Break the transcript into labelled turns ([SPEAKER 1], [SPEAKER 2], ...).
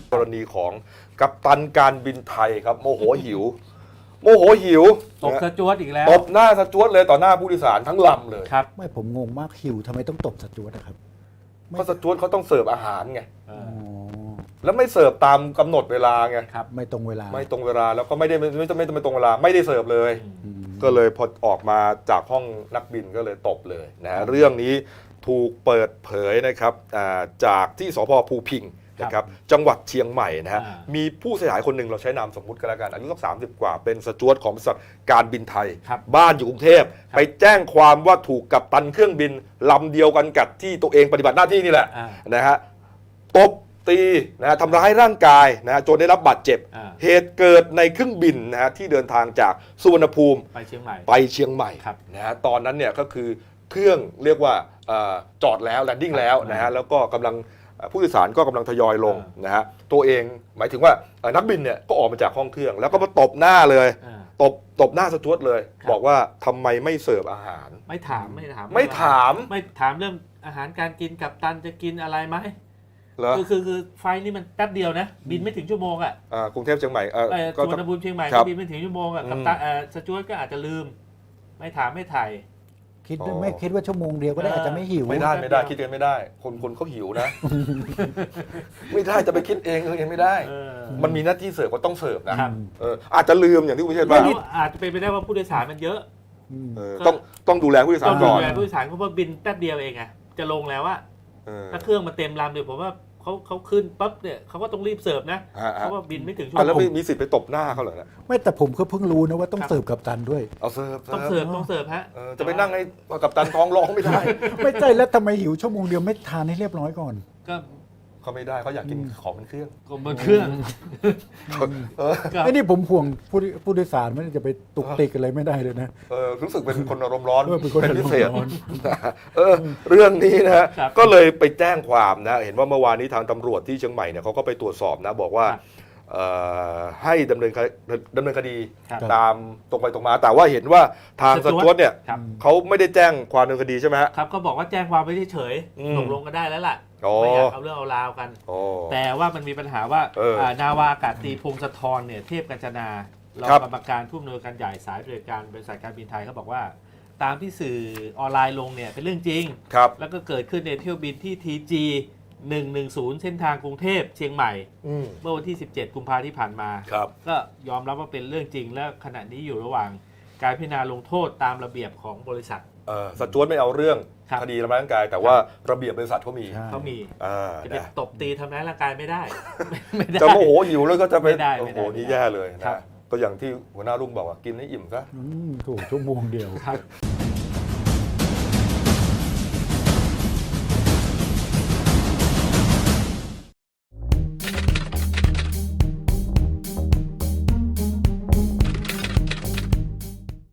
[SPEAKER 1] กรณีของกัปตันการบินไทยครับโมโหหิว
[SPEAKER 2] ตบสจ๊วตอีกแล้ว
[SPEAKER 1] ตบหน้าสจ๊วตเลยต่อหน้าผู้โดยสารทั้งลำเลย
[SPEAKER 2] ครับ
[SPEAKER 3] ไม่ผมงงมากหิวทำไมต้องตบสจ๊วตนะครับ
[SPEAKER 1] เพราะสจ๊วตเขาต้องเสิร์ฟอาหารไง
[SPEAKER 2] เอ
[SPEAKER 3] อ๋
[SPEAKER 2] อ
[SPEAKER 3] อ
[SPEAKER 1] แล้วไม่เสิร์ฟตามกำหนดเวลาไง
[SPEAKER 2] ครับ
[SPEAKER 3] ไม่ตรงเวลา
[SPEAKER 1] ไม่ตรงเวลาแล้วก็ไม่ตรงเวลาไม่ได้เสิร์ฟเลย
[SPEAKER 3] อืม
[SPEAKER 1] ก็เลยพอออกมาจากห้องนักบินก็เลยตบเลยนะฮะเรื่องนี้ถูกเปิดเผยนะครับจากที่สพภูพิงค์นะครับจังหวัดเชียงใหม่นะฮะมีผู้เสียหายคนหนึ่งเราใช้นามสมมุติกันแล้วกันอายุสัก30 กว่าเป็นสจ๊วตของบริษัทการบินไทย
[SPEAKER 2] ครับ
[SPEAKER 1] บ้านอยู่กรุงเทพไปแจ้งความว่าถูกกัปตันเครื่องบินลำเดียวกันกับที่ตัวเองปฏิบัติหน้าที่นี่แหละ
[SPEAKER 2] อ่า
[SPEAKER 1] นะฮะตบตีนะฮะทำร้ายร่างกายนะฮะจนได้รับบาดเจ็บ
[SPEAKER 2] อ่า
[SPEAKER 1] เหตุเกิดในเครื่องบินนะฮะที่เดินทางจากสุวรรณภูมิ
[SPEAKER 2] ไปเชียงใหม่
[SPEAKER 1] ไปเชียงใหม่
[SPEAKER 2] ครับ
[SPEAKER 1] นะฮะตอนนั้นเนี่ยก็คือเครื่องเรียกว่าจอดแล้วแลนดิ้งแล้วนะฮะแล้วก็กำลังผู้โดยสารก็กำลังทยอยลงนะฮะตัวเองหมายถึงว่านักบินเนี่ยก็ออกมาจากห้องเครื่อง แล้วก็มาตบหน้าเลย
[SPEAKER 2] อ่า
[SPEAKER 1] ตบหน้าสจ๊วตเลย
[SPEAKER 2] ครับ
[SPEAKER 1] บอกว่าทำไมไม่เสิร์ฟอาหาร
[SPEAKER 2] ไม่ถามไม่ถาม
[SPEAKER 1] ไม่ถาม
[SPEAKER 2] ไม่ถามเรื่องอาหารการกินกัปตันจะกินอะไรไหม
[SPEAKER 1] เหรอ
[SPEAKER 2] คือไฟล์นี่มันแป๊บเดียวนะ บินไม่ถึงชั่วโมงอ่ะ
[SPEAKER 1] กรุงเทพเชียงใหม่ก็
[SPEAKER 2] สุวรรณภูมิเชียงใหม่
[SPEAKER 1] ครั
[SPEAKER 2] ก็
[SPEAKER 1] บ
[SPEAKER 2] บินไม่ถึงชั่วโมงอ่ะกัปตันสจ๊วตก็อาจจะลืม ไม่ถามไม่ถ่าย
[SPEAKER 3] คิด
[SPEAKER 1] อ๋อ
[SPEAKER 3] ไม่คิดว่าชั่วโมงเดียวก็ได้อาจจะไม่หิว
[SPEAKER 1] ไม่ได้คิดเองไม่ได้ คนเขาหิวนะ ไม่ได้จะไปคิดเองไม่ได้
[SPEAKER 2] เออ
[SPEAKER 1] มันมีหน้าที่เสิร์ฟก็ต้องเสิร์ฟนะครับ อาจจะลืมอย่างที่คุณเชษฐ์
[SPEAKER 2] แล้
[SPEAKER 1] ว่า
[SPEAKER 2] วอาจจะเป็นไปได้ว่าผู้โดยสารมันเยอะ
[SPEAKER 3] อืม
[SPEAKER 1] ต้องดูแลผู้โดยสาร
[SPEAKER 2] ต้อง
[SPEAKER 1] ก่
[SPEAKER 2] ดู
[SPEAKER 1] อน
[SPEAKER 2] แลผู้โดยสารเพราะว่าบินแป๊บเดียวเองไงจะลงแล้วว่า
[SPEAKER 1] เออ
[SPEAKER 2] ถ้าเครื่องมันเต็มลำเดี๋ยวผมว่าเขาขึ้นปั๊บเนี่ยเขาก็ต้องรีบเสิร์ฟนะ
[SPEAKER 1] ฮะ
[SPEAKER 2] เพราะว่าบินไม่ถึงชั่ว
[SPEAKER 1] แล้ว
[SPEAKER 2] โมง
[SPEAKER 1] มีสิทธิ์ไปตบหน้าเขาเหรอเนี่ย
[SPEAKER 3] ไม่แต่ผมก็เพิ่งรู้นะว่าต้องเสิร์ฟกับตันด้วย
[SPEAKER 1] เอาเสิร์ฟ
[SPEAKER 2] ต้องเสิร์ฟฮะ
[SPEAKER 1] จะไปนั่งให้กับตันท้องร้องไม่ได้
[SPEAKER 3] ไม่ใช่แล้วทำไมหิวชั่วโมงเดียวไม่ทานให้เรียบร้อยก่อน
[SPEAKER 2] ก็
[SPEAKER 1] เขาไม่ได้เขาอยากกินของเป็นเครื่อง
[SPEAKER 2] บนเครื่อง
[SPEAKER 1] เออ
[SPEAKER 2] ก็
[SPEAKER 3] ไอ้นี่ผมห่วงผู้โดยสารไม่ได้จะไปตุกติกอะไรไม่ได้เลยนะ
[SPEAKER 1] รู้สึกเป็นคนอารมณ์ร้อน
[SPEAKER 3] เป็นคน
[SPEAKER 1] เป็นพิเศษ
[SPEAKER 3] อารมณ์ร้อน
[SPEAKER 1] เรื่องนี้นะฮะ
[SPEAKER 2] ครับ
[SPEAKER 1] ก็เลยไปแจ้งความนะเห็นว่าเมื่อวานนี้ทางตำรวจที่เชียงใหม่เนี่ยเขาก็ไปตรวจสอบนะบอกว่า
[SPEAKER 2] ครับ
[SPEAKER 1] ให้ดำเนินคดี
[SPEAKER 2] ครับ
[SPEAKER 1] ตามตรงไปตรงมา แต่ว่าเห็นว่าทางส
[SPEAKER 2] สจ๊
[SPEAKER 1] จ๊
[SPEAKER 2] ว
[SPEAKER 1] ว
[SPEAKER 2] ต
[SPEAKER 1] ตเนี่ย
[SPEAKER 2] ครับ
[SPEAKER 1] เขาไม่ได้แจ้งความดำเนินคดีใช่ไหมฮะ
[SPEAKER 2] ครับก็บอกว่าแจ้งความไว้เฉย
[SPEAKER 1] อืม
[SPEAKER 2] ๆตกลงกันได้แล้วล่ะ
[SPEAKER 1] อ๋อ
[SPEAKER 2] ไม่อยากเอาเรื่องเอาราวกัน
[SPEAKER 1] อ๋อ
[SPEAKER 2] แต่ว่ามันมีปัญหาว่า
[SPEAKER 1] เอออ่
[SPEAKER 2] นาวาอากาศตรีพงศธรเนี่ยเทพกัญจนารอง
[SPEAKER 1] ครับ
[SPEAKER 2] กรรมการผู้อำนวยการใหญ่สายบริการบริษัทการบินไทยเขาบอกว่า ตามที่สื่อออนไลน์ลงเนี่ยเป็นเรื่องจริง
[SPEAKER 1] ครับ
[SPEAKER 2] แล้วก็เกิดขึ้นในเที่ยวบินที่ TG 110 เส้นทางกรุงเทพเชียงใหม่
[SPEAKER 1] อืม
[SPEAKER 2] เมื่อวันที่ 17 กุมภาพันธ์ที่ผ่านมา
[SPEAKER 1] ครับ
[SPEAKER 2] ก็ยอมรับว่าเป็นเรื่องจริง และขณะนี้อยู่ระหว่างการพิจารณาลงโทษตามระเบียบของบริษัท
[SPEAKER 1] สจ๊วตไม่เอาเรื่อง
[SPEAKER 2] ครับ
[SPEAKER 1] คดีทำร้ายร่างกาย แต่ว่าระเบียบบริษัทเขามี
[SPEAKER 3] ใช่
[SPEAKER 2] เขามี
[SPEAKER 1] อ่า
[SPEAKER 2] จะไป
[SPEAKER 1] นะ
[SPEAKER 2] ตบตีทำร้ายร่างกายไม่ได้ ไม่ได้
[SPEAKER 1] จะโมโหหิวแล้วก็จะไป
[SPEAKER 2] ไม่ได้
[SPEAKER 1] โอ้โห
[SPEAKER 2] ไม่ได้
[SPEAKER 1] นี่แย่เลย
[SPEAKER 2] ครั
[SPEAKER 1] นะ
[SPEAKER 2] บ
[SPEAKER 1] ก็อย่างที่หัวหน้ารุ่งบอกว่ากินให้อิ่มซะ
[SPEAKER 3] ถูกชั่วโมงเดียว
[SPEAKER 2] ครับ